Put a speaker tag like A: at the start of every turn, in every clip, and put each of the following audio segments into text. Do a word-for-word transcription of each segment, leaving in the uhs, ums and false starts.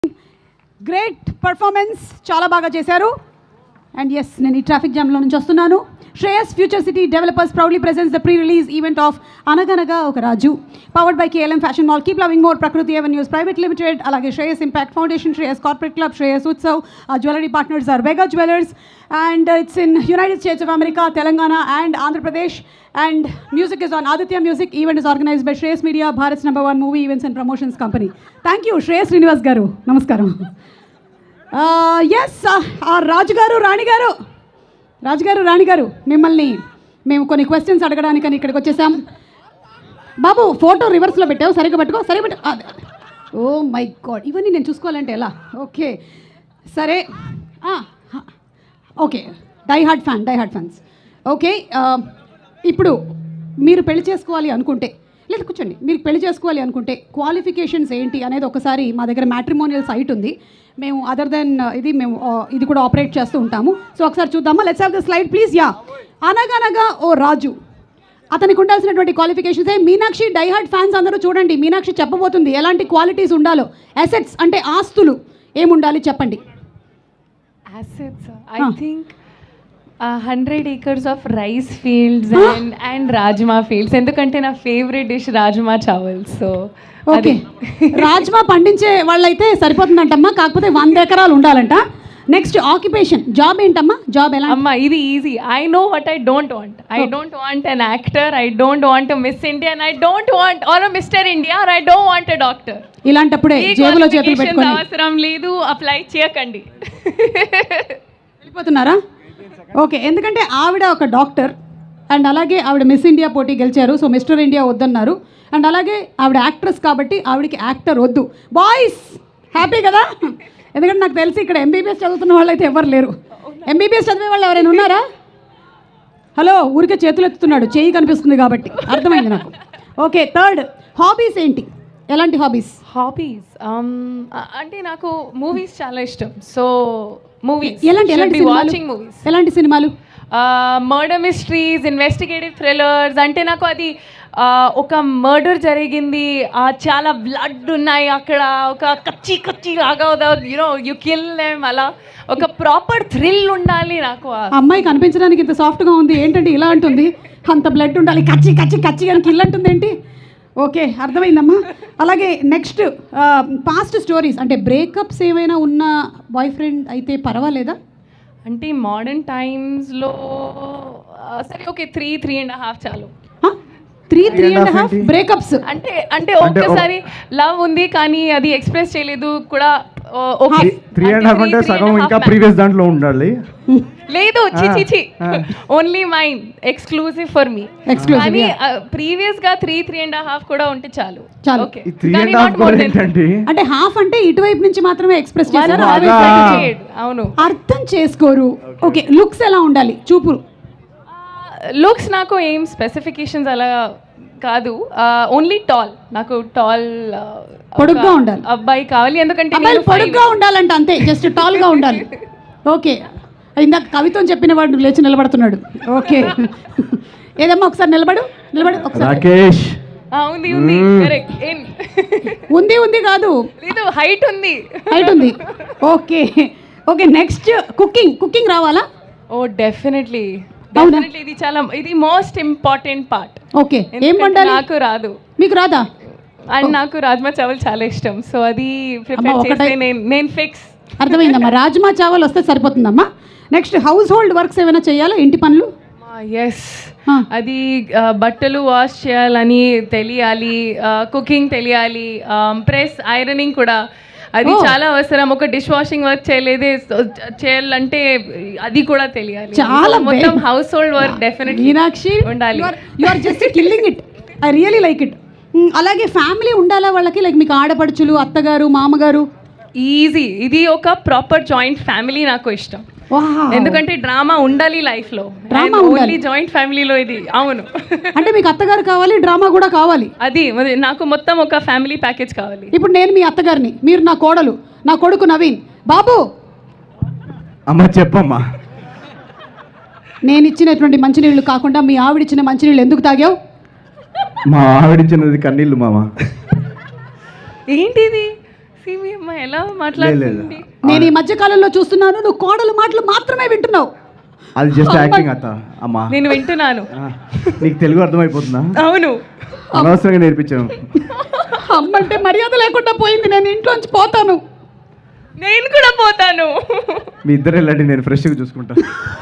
A: Great performance, చాలా బాగా చేశారు. అండ్ ఎస్, నేను ఈ ట్రాఫిక్ జామ్లో నుంచి వస్తున్నాను. Shreyas future city developers proudly presents the pre release event of Anaganaga Oka Raju, powered by KLM fashion mall, keep loving more, Prakruti avenues private limited, అలాగే Shreyas impact foundation, Shreyas corporate club, Shreyas Utsav, jewellery partners are Vega jewellers, and it's in United States of America, Telangana and Andhra Pradesh. And music is on Aditya Music. Event is organized by Shreyas Media, Bharat's number one movie events and promotions company. Thank you, Shreyas Srinivas garu. Namaskaram. Uh, yes, uh, Raj garu, Rani garu. Raj garu, Rani garu. మిమ్మల్ని మేము కొన్ని questions అడగడానికని ఇక్కడికి వచ్చేసాం. బాబు, photo రివర్స్లో పెట్టావు, సరిగ్గా పెట్టుకో, సరిగ్గా పెట్టు. ఓ మై గాడ్, ఇవన్నీ నేను చూసుకోవాలంటే ఎలా? ఓకే, సరే. Okay, die hard fan, die hard fans. Okay, ఇప్పుడు మీరు పెళ్లి చేసుకోవాలి అనుకుంటే, లేదు కూర్చోండి, మీరు పెళ్లి చేసుకోవాలి అనుకుంటే క్వాలిఫికేషన్స్ ఏంటి అనేది ఒకసారి మా దగ్గర మ్యాట్రిమోనియల్ సైట్ ఉంది, మేము అదర్ దెన్ ఇది మేము ఇది కూడా ఆపరేట్ చేస్తూ ఉంటాము. సో ఒకసారి చూద్దామా? Let's have the slide please. Yeah, Anaganaga O రాజు, అతనికి ఉండాల్సినటువంటి క్వాలిఫికేషన్స్. మీనాక్షి డైహార్డ్ ఫ్యాన్స్ అందరూ చూడండి, మీనాక్షి చెప్పబోతుంది ఎలాంటి క్వాలిటీస్ ఉండాలో. అసెట్స్ అంటే ఆస్తులు ఏముండాలి చెప్పండి.
B: Assets, I think uh, one hundred acres of rice fields and and rajma fields. ఎందుకంటే నా favourite dish rajma chawal. So
A: okay, rajma పండించే వాళ్ళైతే సరిపోతుందంటమ్మా, కాకపోతే వంద ఎకరాలు ఉండాలంట. నెక్స్ట్ ఆక్యుపేషన్, జాబ్ ఏంటమ్మా? జాబ్ ఎలా?
B: అమ్మా, ఇది easy. I know what I don't want. I don't want an actor, I don't want Miss India, I don't want or Mister India, or I don't want a doctor.
A: ఇలాంటప్పుడే జేబులో చేతులు పెట్టుకొని
B: అవసరం లేదు, అప్లై చేయకండి.
A: వెళ్ళిపోతున్నారా? ఓకే, ఎందుకంటే ఆవిడ ఒక డాక్టర్ అండ్ అలాగే ఆవిడ మిస్ ఇండియా పోటీ గెలిచారు, సో మిస్టర్ ఇండియా వద్దన్నారు. అండ్ అలాగే ఆవిడ యాక్ట్రెస్ కాబట్టి ఆవిడకి యాక్టర్ వద్దు. బాయ్స్ హ్యాపీ కదా? ఎందుకంటే నాకు తెలిసి ఇక్కడ ఎంబీబీఎస్ చదువుతున్న వాళ్ళు అయితే ఎవరు లేరు. ఎంబీబీఎస్ చదివే వాళ్ళు ఎవరైనా ఉన్నారా? హలో, ఊరికే చేతులు ఎత్తుతున్నాడు, చెయ్యి కనిపిస్తుంది కాబట్టి అర్థమైంది నాకు. ఓకే, థర్డ్ హాబీస్ ఏంటి? ఎలాంటి హాబీస్?
B: హాబీస్ అంటే నాకు మూవీస్ చాలా ఇష్టం. సో మూవీస్,
A: ఎలాంటి ఎలాంటి
B: వాచింగ్ మూవీస్.
A: ఎలాంటి సినిమాలు?
B: Murder mysteries, investigative thrillers. అంటే నాకు అది ఒక మర్డర్ జరిగింది, చాలా బ్లడ్ ఉన్నాయి అక్కడ, ఒక కచ్చి కచ్చి లాగా యూనో యు కిల్ దెమ్, అలా ఒక ప్రాపర్ థ్రిల్ ఉండాలి నాకు.
A: అమ్మాయి కనిపించడానికి ఇంత సాఫ్ట్గా ఉంది, ఏంటంటే ఇలా అంటుంది, అంత బ్లడ్ ఉండాలి, కచ్చి కచ్చి కచ్చి కానీ కిల్ అంటుంది ఏంటి? ఓకే, అర్థమైందమ్మా. అలాగే నెక్స్ట్ పాస్ట్ స్టోరీస్, అంటే బ్రేకప్స్ ఏమైనా ఉన్న బాయ్ ఫ్రెండ్ అయితే పర్వాలేదా?
B: అంటే మోడర్న్ టైమ్స్లో సరే okay, three three and half చాలు.
A: Three three and half breakups
B: అంటే అంటే ఒక్కసారి లవ్ ఉంది కానీ అది ఎక్స్ప్రెస్ చేయలేదు కూడా.
C: త్రీ అండ్ హాఫ్ అంటే సగం ఇంకా ప్రీవియస్ దాంట్లో ఉండాలి.
B: లేదు, చిచి చి only mine, exclusive for me. కానీ ప్రీవియస్ గా త్రీ త్రీ అండ్ హాఫ్ కూడా ఉంటే చాలు.
A: చాలు. అంటే హాఫ్ అంటే ఇటువైపు నుంచి మాత్రమే ఎక్స్ప్రెస్ చేశారు.
B: అవును,
A: అర్థం చేసుకోరు. ఓకే, లుక్స్ ఎలా ఉండాలి? చూపురు
B: లుక్స్ నాకు ఏం స్పెసిఫికేషన్స్ అలా కాదు, ఓన్లీ టాల్. నాకు టాల్
A: పొడుగ్గా ఉండాలి
B: అబ్బాయి కావాలి, ఎందుకంటే
A: పొడుగ్గా ఉండాలంట, అంతే, జస్ట్ టాల్ గా ఉండాలి. ఓకే, ఇందాక కవిత్వం చెప్పిన వాడు లేచి నిలబడుతున్నాడు. ఓకే, ఏదమ్మా ఒకసారి నిలబడు, నిలబడు ఒకసారి.
C: రాకేష్
B: ఉంది ఉంది కరెక్ట్.
A: ఉంది ఉంది కాదు,
B: లేదు, హైట్ ఉంది,
A: హైట్ ఉంది. Okay okay, next cooking. Cooking రావాలా?
B: ఓ డెఫినెట్లీ డెఫినెట్లీ, ఇది చాలా ఇది మోస్ట్ ఇంపార్టెంట్ పార్ట్.
A: ఓకే, ఏం వండాలి?
B: నాకు రాదు.
A: మీకు రాదా?
B: అండ్ నాకు రాజ్మా చావల్ చాలా ఇష్టం, సో అది ప్రిపేర్ చేస్తే నేను నేను ఫిక్స్.
A: అర్థమైందమ్మా, రాజ్మా చావల్ వస్తే సరిపోతుందమ్మా. నెక్స్ట్ హౌస్ హోల్డ్ వర్క్స్ ఏమైనా చేయాలా? ఇంటి పనులు?
B: ఎస్, అది బట్టలు వాష్ చేయాలని తెలియాలి, కుకింగ్ తెలియాలి, ప్రెస్ ఐరనింగ్ కూడా అది చాలా అవసరం. ఒక డిష్ వాషింగ్ వర్క్ చేయలేదే చేయాలంటే అది కూడా తెలియాలి.
A: చాలా
B: మొత్తం household work definitely
A: Meenakshi
B: ఉండాలి.
A: You are just killing it, I really like it. అలాగే ఫ్యామిలీ ఉండాలా వాళ్ళకి? లైక్ మీకు ఆడపడుచులు, అత్తగారు, మామగారు?
B: ఈజీ, ఇది ఒక ప్రాపర్ జాయింట్ ఫ్యామిలీ నాకు ఇష్టం. ఎందుకంటే డ్రామా ఉండాలి లైఫ్ లో, ఓన్లీ జాయింట్ ఫ్యామిలీలో ఇది. అవును,
A: అంటే మీకు అత్తగారు కావాలి, డ్రామా కూడా కావాలి.
B: అది నాకు మొత్తం ఒక ఫ్యామిలీ ప్యాకేజ్ కావాలి.
A: ఇప్పుడు నేను మీ అత్తగారిని, మీరు నా కోడలు, నా కొడుకు నవీన్. బాబు,
C: అమ్మ చెప్పమ్మా,
A: నేను ఇచ్చినటువంటి మంచినీళ్ళు కాకుండా మీ ఆవిడిచ్చిన మంచినీళ్ళు ఎందుకు తాగావు?
C: మా ఆవిడిచ్చినది కన్నీళ్ళు మామ.
B: ఏంటిది? See me, అమ్మా ఎలా మాట్లాడుతుంది.
A: నేను ఈ మధ్య కాలంలో చూస్తున్నాను నువ్వు కోడలు మాటలు మాత్రమే వింటున్నావు.
C: అది జస్ట్ యాక్టింగ్ అత్త. అమ్మా
B: నేను వింటున్నాను.
C: ఆ, నీకు తెలుగు అర్థమైపోతుందా?
B: అవును.
C: అనవసరంగా నేర్పించాను.
A: అమ్మంటే మర్యాద లేకుండా పోయింది. నేను ఇంట్లోంచి పోతాను.
B: నేను కూడా పోతాను.
C: మీ ఇద్దరు వెళ్ళండి, నేను ఫ్రెష్గా చూసుకుంటా.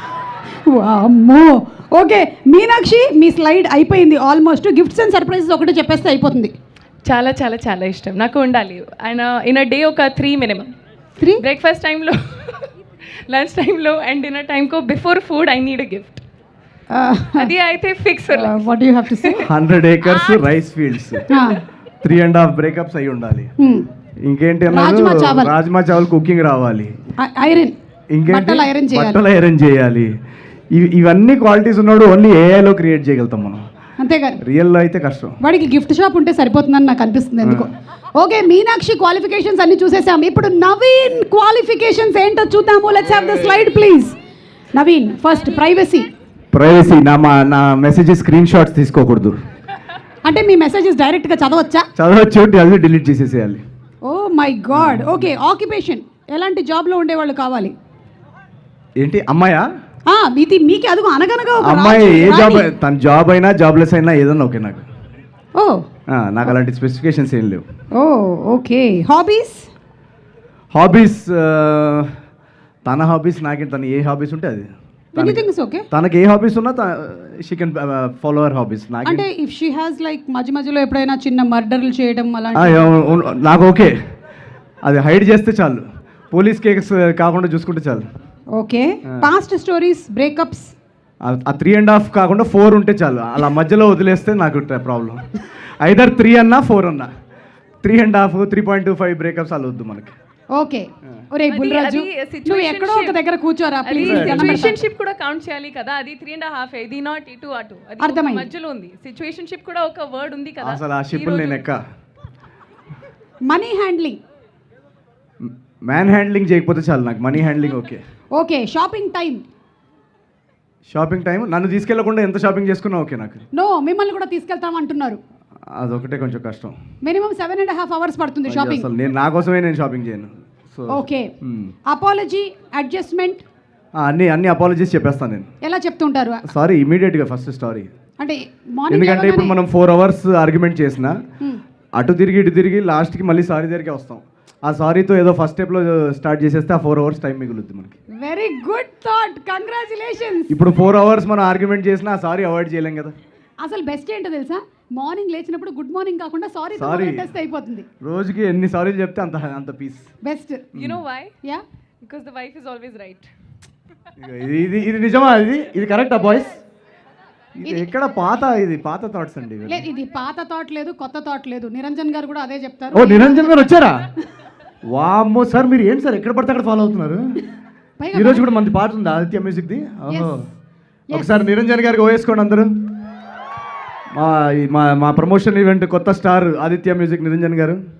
A: అమ్మో. ఓకే మీనాక్షి, మీ స్లైడ్ అయిపోయింది ఆల్మోస్ట్. గిఫ్ట్స్ అండ్ సర్ప్రైజెస్ ఒకటే చెప్పేస్తే అయిపోతుంది.
B: చాలా చాలా చాలా ఇష్టం నాకు ఉండాలి. ఆయన ఇన్ అ డే ఒక త్రీ మినిమం.
A: త్రీ
B: బ్రేక్ఫాస్ట్ టైంలో, లంచ్ టైంలో అండ్ డిన్నర్ టైంకో before food I need a gift. అది అయితే fix.
A: What you have to say?
C: Hundred acres rice fields, three and half breakups అయి ఉండాలి. ఇంకేంటి
A: రాజ్మా
C: అన్నారు?
A: చావల్.
C: రాజ్మా చావల్ కుకింగ్ రావాలి.
A: ఐరన్,
C: ఇంకేంటి?
A: బట్టలు ఐరన్ చేయాలి.
C: బట్టలు ఐరన్ చేయాలి. ఇవి- ఇవన్నీ క్వాలిటీస్ ఉన్నాడు ఓన్లీ ఏఐలో క్రియేట్ చేయగలుగుతాం మనం.
A: అంతేగాని
C: రియల్లో అయితే కష్టం.
A: వాడికి గిఫ్ట్ షాప్ ఉంటే సరిపోతుందని నాకు అనిపిస్తుంది ఎందుకో. ఓకే మీనాక్షి క్వాలిఫికేషన్స్ అన్ని చూసేసాం. ఇప్పుడు నవీన్ క్వాలిఫికేషన్స్ ఏంటో చూద్దాము. Let's have the slide please. Naveen first privacy.
C: Privacy, నా మా నా మెసేజ్ స్క్రీన్ షాట్స్ తీసుకోకూడదు.
A: అంటే మీ మెసేజెస్ డైరెక్ట్గా చదవచ్చా?
C: చదవచ్చు, జల్దీ డిలీట్ చేసేసేయాలి.
A: Oh my god. Okay occupation, ఎలాంటి జాబ్లో ఉండేవాళ్ళు కావాలి?
C: ఏంటి అమ్మాయా?
A: ఆ, మీది మీకే అదుగు అనగనగా ఒక
C: అమ్మాయి
A: రాజు,
C: ఏ జాబ్,
A: రాణి.
C: తన జాబ్ అయినా జాబ్లెస్ అయినా ఏదన్నా ఓకే నాకు.
A: ఓ
C: ఆ, నాకు అలాంటి స్పెసిఫికేషన్స్ ఏం లేవు.
A: Oh okay. హాబీస్?
C: హాబీస్, తన హాబీస్ నాకే, తన ఏ హాబీస్ ఉంటే అది.
A: Anything is okay.
C: తనకి ఏ హాబీస్ ఉన్నా she can follow our hobbies. నాకు
A: అంటే ఇఫ్ షీ హ్యాస్ లైక్ మధ్య మధ్యలో ఎప్పుడైనా చిన్న మర్డర్లు చేయడం అలాంటి,
C: నాకు ఓకే, అది హైడ్ చేస్తే చాలు, పోలీస్ కేస్ కాకుండా చూసుకుంటే చాలు.
A: ఓకే. Past stories, breakups?
C: ఆ త్రీ అండ్ హాఫ్ కాకుండా ఫోర్ ఉంటే చాలు. అలా మధ్యలో వదిలేస్తే నాకు ప్రాబ్లం. ఐదర్ త్రీ అన్నా ఫోర్ అన్నా, three and half, three point two five breakups అలా వద్దు మనకి.
A: ఓకే. ఒరే
B: అది-
A: బుల్రాజు,
B: అది
A: నువ్వు ఎక్కడో ఒక దగ్గర కూర్చోరా ప్లీజ్.
B: సిచ్యువేషన్షిప్ కూడా కౌంట్ చేయాలి కదా. అది త్రీ అండ్ హాఫ్, ఇది నాట్ ఇటు అటు, అది ఒక
A: అర్థమైంది.
B: మధ్యలో ఉంది. సిచ్యువేషన్షిప్ కూడా ఒక వర్డ్ ఉంది కదా.
C: అసలు ఆ షిప్లు నేను ఎక్క.
A: Money handling?
C: మ్యాన్ హ్యాండ్లింగ్ చేయకపోతే చాలు నాకు, money handling okay.
A: Okay. Shopping time?
C: Shopping time నన్ను తీసుకెళ్లకుండా ఎంత షాపింగ్ చేసుకున్నా ఓకే నాకు.
A: నో, మిమ్మల్ని కూడా తీసుకెళ్తాం అంటున్నారు.
C: అదొకటే కొంచెం కష్టం.
A: Minimum seven and half hours పడుతుంది షాపింగ్.
C: అసలు నేను నా కోసమే నేను షాపింగ్ చేయను. So
A: okay. Apology, adjustment?
C: అన్ని అన్ని అపాలజీస్ చెప్పేస్తాను నేను.
A: ఎలా చెప్తుంటారు?
C: సారీ ఇమీడియట్గా ఫస్ట్ సారీ.
A: అంటే మార్నింగ్
C: ఎందుకంటే ఇప్పుడు మనం ఫోర్ అవర్స్ ఆర్గ్యుమెంట్ చేసిన అటు తిరిగి ఇటు తిరిగి లాస్ట్కి మళ్ళీ సారీ దగ్గరికి వస్తాం. ఆ సారీతో ఏదో ఫస్ట్ స్టెప్లో స్టార్ట్ చేసేస్తే ఆ ఫోర్ అవర్స్ టైం మిగులుద్ది మనకి.
A: Very good thought, congratulations.
C: ఇప్పుడు ఫోర్ అవర్స్ మనం ఆర్గ్యుమెంట్ చేసినా ఆ సారీ అవాయిడ్ చేయలేం కదా.
A: అసలు బెస్ట్ ఏంటో తెలుసా? మార్నింగ్ లేచినప్పుడు గుడ్ మార్నింగ్ కాకుండా సారీ
C: Sorry.
A: టెస్ట్ అయిపోతుంది.
C: రోజుకి ఎన్ని సారీలు చెప్తే అంత అంత peace.
A: Best.
B: You know why?
A: Yeah,
B: because the wife is always right.
C: ఇది ఇది ఇది నిజమా? ఇది ఇది కరెక్టా బాయ్స్? ఇది ఎక్కడ పాత, ఇది పాత థాట్స్ అండి ఇవి.
A: లేదు ఇది పాత థాట్ లేదు, కొత్త థాట్ లేదు. నిరంజన్ గారు కూడా అదే చెప్తారు.
C: ఓ నిరంజన్ గారు వచ్చారా? వామ్మో సార్, మీరు ఏంటి సార్ ఎక్కడ పడితే అక్కడ ఫాలో అవుతున్నారు?
A: పైగా
C: ఈ రోజు కూడా మంది పాట ఉంది ఆదిత్య మ్యూజిక్ది. ఓహో,
A: Yes.
C: ఒకసారి నిరంజన్ గారికి ఓవేసుకోండి అందరూ. మా ఈ- మా మా ప్రమోషన్ ఈవెంట్ కొత్త స్టార్ ఆదిత్య మ్యూజిక్ నిరంజన్ గారు.